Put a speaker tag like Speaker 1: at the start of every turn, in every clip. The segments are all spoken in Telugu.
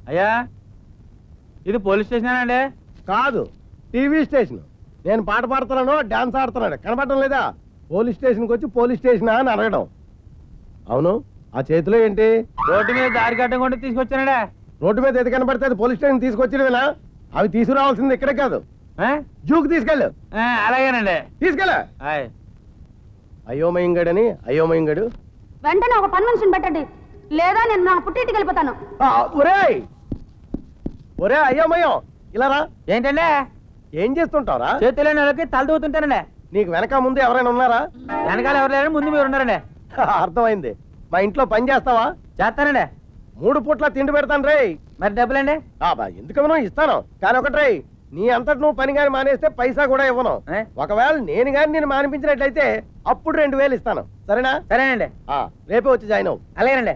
Speaker 1: అయ్యా ఇది పోలీస్ స్టేషన్ అండి?
Speaker 2: కాదు, టీవీ స్టేషన్. నేను పాట పాడుతున్నాను, డాన్స్ ఆడుతున్నాడు, కనపడటం లేదా? పోలీస్ స్టేషన్కి వచ్చి పోలీస్ స్టేషనా అని అడగడం. అవును, ఆ చేతిలో ఏంటి?
Speaker 1: రోడ్డు మీద దారి కట్టం కూడా తీసుకొచ్చానండే.
Speaker 2: రోడ్డు మీద ఎది కనపడితే అది పోలీస్ స్టేషన్ తీసుకొచ్చినవేనా? అవి తీసుకురావాల్సింది ఇక్కడే కాదు, జూకి తీసుకెళ్ళు.
Speaker 1: అలాగేనండి,
Speaker 2: తీసుకెళ్ళ. అయోమయంగడని అయోమయంగడు.
Speaker 3: వెంటనే ఒక పని మనిషిని పెట్టండి, లేదా నేను నా పుట్టింటికి వెళ్ళిపోతాను.
Speaker 2: ఒరేయ్ ఒరే అయోమయం, ఇలా రా.
Speaker 1: ఏంటంటే?
Speaker 2: ఏం చేస్తుంటావురా?
Speaker 1: చేతులేని వాళ్ళకి తల దూతుంటానండి.
Speaker 2: నీకు వెనక ముందు ఎవరైనా ఉన్నారా?
Speaker 1: వెనకాల ఎవరు లేరు, ముందు మీరు ఉన్నారండి.
Speaker 2: అర్థమైంది. మా ఇంట్లో పని చేస్తావా?
Speaker 1: చేస్తానండి.
Speaker 2: 3 పూట్ల తిండి పెడతాను రే.
Speaker 1: మరి డబ్బులండి?
Speaker 2: ఎందుకమనో ఇస్తాను, కానీ ఒకటి రే, నీ అంతటి నువ్వు పని గాని మానేస్తే పైసా కూడా ఇవ్వను. ఒకవేళ నేను గాని నేను మానిపించినట్లయితే అప్పుడు 2000 ఇస్తాను, సరేనా?
Speaker 1: సరేనండి.
Speaker 2: రేపే వచ్చి జాయిన్ అవ్వు.
Speaker 1: అలాగేనండి.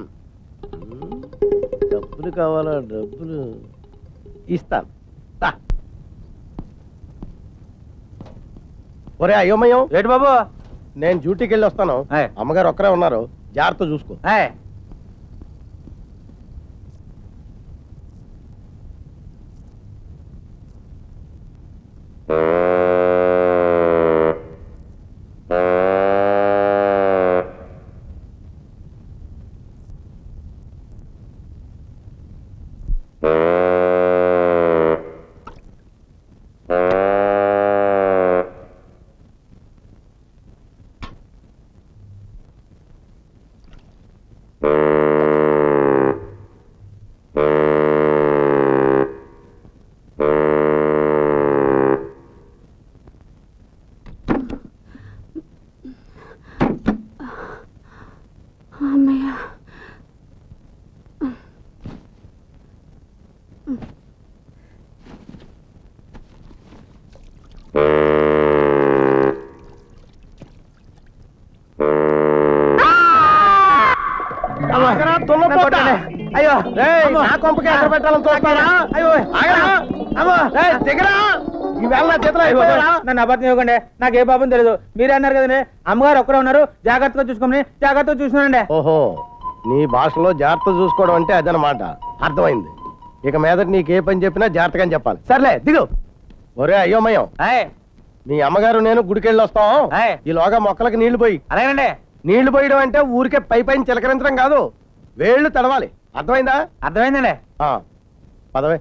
Speaker 2: డబ్బులు కావాలా? డబ్బులు ఇస్తాను. ఒరే అయోమయం.
Speaker 1: ఏంటి బాబు?
Speaker 2: నేను డ్యూటీకి వెళ్ళి వస్తాను. అమ్మగారు ఒక్కరే ఉన్నారు, జాగ్రత్త చూసుకో.
Speaker 1: అయ్యో
Speaker 2: నా కొంపకి ఎక్కడ పెట్టాలని చూస్తారా?
Speaker 1: నన్ను అబద్ధం ఇవ్వకండి, నాకు ఏ పాపం తెలియదు. మీరే అన్నారు కదండి అమ్మగారు ఒక్కరే ఉన్నారు, జాగ్రత్తగా చూసుకోమని. జాగ్రత్తగా చూసుకున్నానండి.
Speaker 2: ఓహో, నీ భాషలో జాగ్రత్త చూసుకోవడం అంటే అదనమాట. అర్థమైంది. ఇక మీదట నీకే పని చెప్పినా జాగ్రత్తగా చెప్పాలి. సర్లే దిగు. ఒరే అయోమయం, మీ అమ్మగారు నేను గుడికెళ్ళి వస్తాం. ఈలోగా మొక్కలకి నీళ్లు పోయి.
Speaker 1: అలాగేనండి.
Speaker 2: నీళ్లు పోయడం అంటే ఊరికే పైన చిలకరించడం కాదు, వేళ్లు తడవాలి. అర్థమైందా?
Speaker 1: అర్థమైందండి.
Speaker 2: పదవే.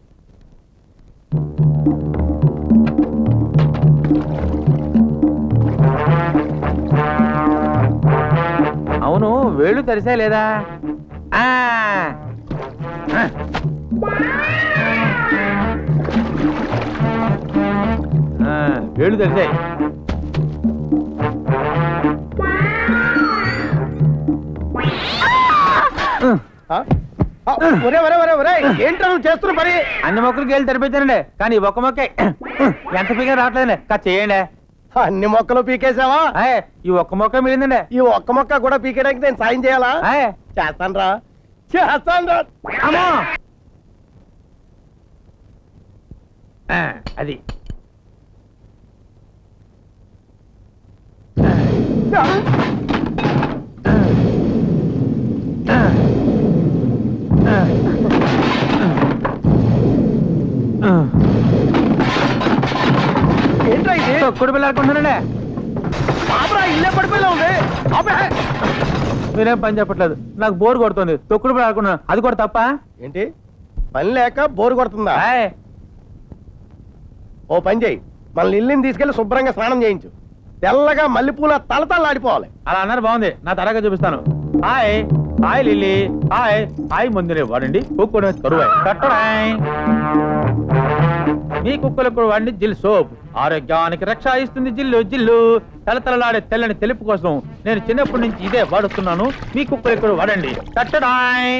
Speaker 1: అవును, వేళ్ళు తెరిసా లేదా? వేళ్ళు తెరిసాయి.
Speaker 2: ఏంటో చేస్తున్న పని?
Speaker 1: అన్ని మొక్కలకి వెళ్ళి తెరిపించానండి, కానీ ఒక్క మొక్క ఎంత పీక రావట్లేదండి. చేయండి.
Speaker 2: అన్ని మొక్కలు పీకేసావా?
Speaker 1: ఈ ఒక్క మొక్క మిగిలిందండి.
Speaker 2: ఈ ఒక్క మొక్క కూడా పీకేయడానికి నేను సాయం చేయాలా? చేస్తాను రా, చేస్తాను రా.
Speaker 1: అమ్మో, అది
Speaker 2: ఏంట్రా ఇది?
Speaker 1: తొక్కుడు పిల్ల అనుకుంటున్నానండి.
Speaker 2: ఇల్లే పడిపోయేలా ఉంది.
Speaker 1: మీరేం పని చెప్పట్లేదు, నాకు బోర్ కొడుతుంది. తొక్కుడు పిల్ల అనుకున్నాను, అది కూడా తప్ప.
Speaker 2: ఏంటి పని లేక బోరు కొడుతుందా? ఓ పని చేయి, మన ఇల్లుని తీసుకెళ్లి శుభ్రంగా స్నానం చేయించు. తెల్లగా మల్లెపూల తలతల్లాడిపోవాలి.
Speaker 1: అలా అన్నారు, బాగుంది. నా తరగా చూపిస్తాను. Hi hi Lily, hi hi. ముందునే వాడండి, కుక్కడు కరువాయి కట్టడాయ్. మీ కుక్కలకు వాడండి జిల్ సోప్, ఆరోగ్యానికి రక్ష ఇస్తుంది జిల్లు జిల్లు. తలతలలాడే తెల్లని తెలుపు కోసం నేను చిన్నప్పటి నుంచి ఇదే వాడుతున్నాను. మీ కుక్కలకు వాడండి కట్టడాయ్.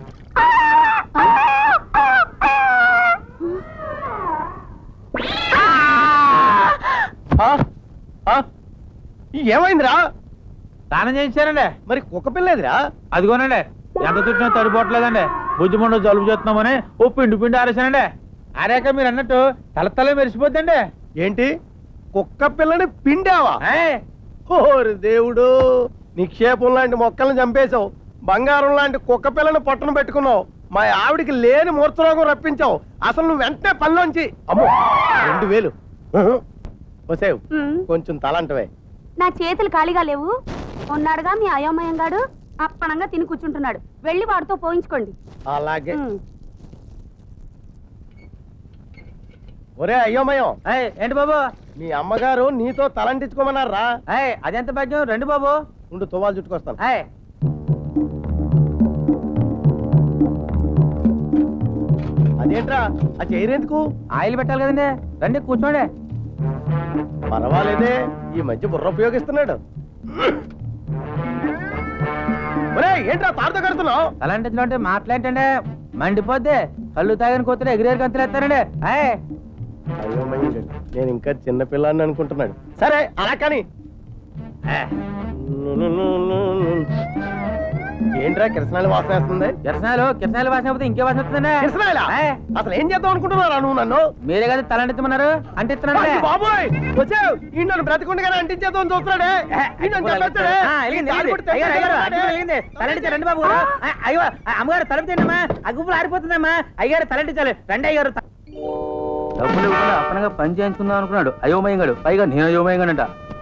Speaker 2: ఏమైందిరా?
Speaker 1: స్నానం చేయించానండి.
Speaker 2: మరి కుక్క పిల్లేదిరా?
Speaker 1: అదిగోనండి, ఎంత చుట్టినా తడిపోవట్లేదండి. బుజ్జిమండు జలుబు చేస్తున్నామని ఓ పిండి పిండి ఆరేసానండి. ఆరాక మీరు అన్నట్టు తల మెరిసిపోద్దండి.
Speaker 2: ఏంటి, కుక్క పిల్లని పిండావా? ఓరి దేవుడు, నిక్షేపం లాంటి మొక్కలను చంపేశావు, బంగారం లాంటి కుక్క పిల్లని పొట్టను పెట్టుకున్నావు. మా ఆవిడికి లేని మూర్ఛరోగం రప్పించావు. అసలు నువ్వు వెంటనే పనిలోంచి అమ్మో 2000 వసేవ్ కొంచెం తలంటవే.
Speaker 3: నా చేతులు ఖాళీగా లేవు. ఉన్నాడుగా మీ అయోమయంగాడు అప్పనంగా తిని కూర్చుంటున్నాడు. వెళ్ళి వాడితో పోయించుకోండి.
Speaker 2: అలాగే. ఒరే అయోమయం,
Speaker 1: ఏంటి బాబు?
Speaker 2: మీ అమ్మగారు నీతో తలంటించుకోమన్నారా?
Speaker 1: అదెంత భాగ్యం. రండి బాబు.
Speaker 2: ఉండు తువ్వాలు చుట్టుకొస్తాను. అదేంట్రా ఆ చైర్ ఎందుకు?
Speaker 1: ఆయిల్ పెట్టాలి కదండి. రండి కూర్చోండి.
Speaker 2: పర్వాలేదే, ఈ మధ్య బుర్ర ఉపయోగిస్తున్నాడు. ఏంట్రా తాడుతో కడుతున్నావు?
Speaker 1: అలాంటి అంటే మాట్లాడండి, మండిపోద్ది. కళ్ళు తాగని కొత్త ఎగిరేరు గంతులు ఎత్తారండి.
Speaker 2: అయ్యో నేను ఇంకా చిన్నపిల్లాన్ని అనుకుంటున్నాడు. సరే అలా కానీ. ఏంట్రా కిరసనాయలు వాసన వేస్తుంది?
Speaker 1: కిరసనాయలు వాసన పోతే ఇంకే వాసన వస్తుందండి.
Speaker 2: కిరసనాయలా? అసలు ఏం చేద్దాం అనుకుంటున్నారా నువ్వు నన్ను?
Speaker 1: మీరే కదా తలంటిమన్నారు, అంటిస్తున్నాను.
Speaker 2: బాబోయ్ వచ్చావు, ఈ నన్ను బ్రతికుండగానే అంటించేద్దాం చూస్తున్నాడే.
Speaker 1: రండి బాబు. అయ్యో అమ్మగారు తలంటమ్మా, ఆ గుప్పులు ఆరిపోతుందమ్మా. అయ్యారు తలంటించాలి. రండి అయ్యారు. డబ్బులు ఇవ్వకుండా అప్పనగా పని చేయించుకుందాం అనుకున్నాడు అయోమయంగాడు. పైగా నేను అయోమయంగానంట.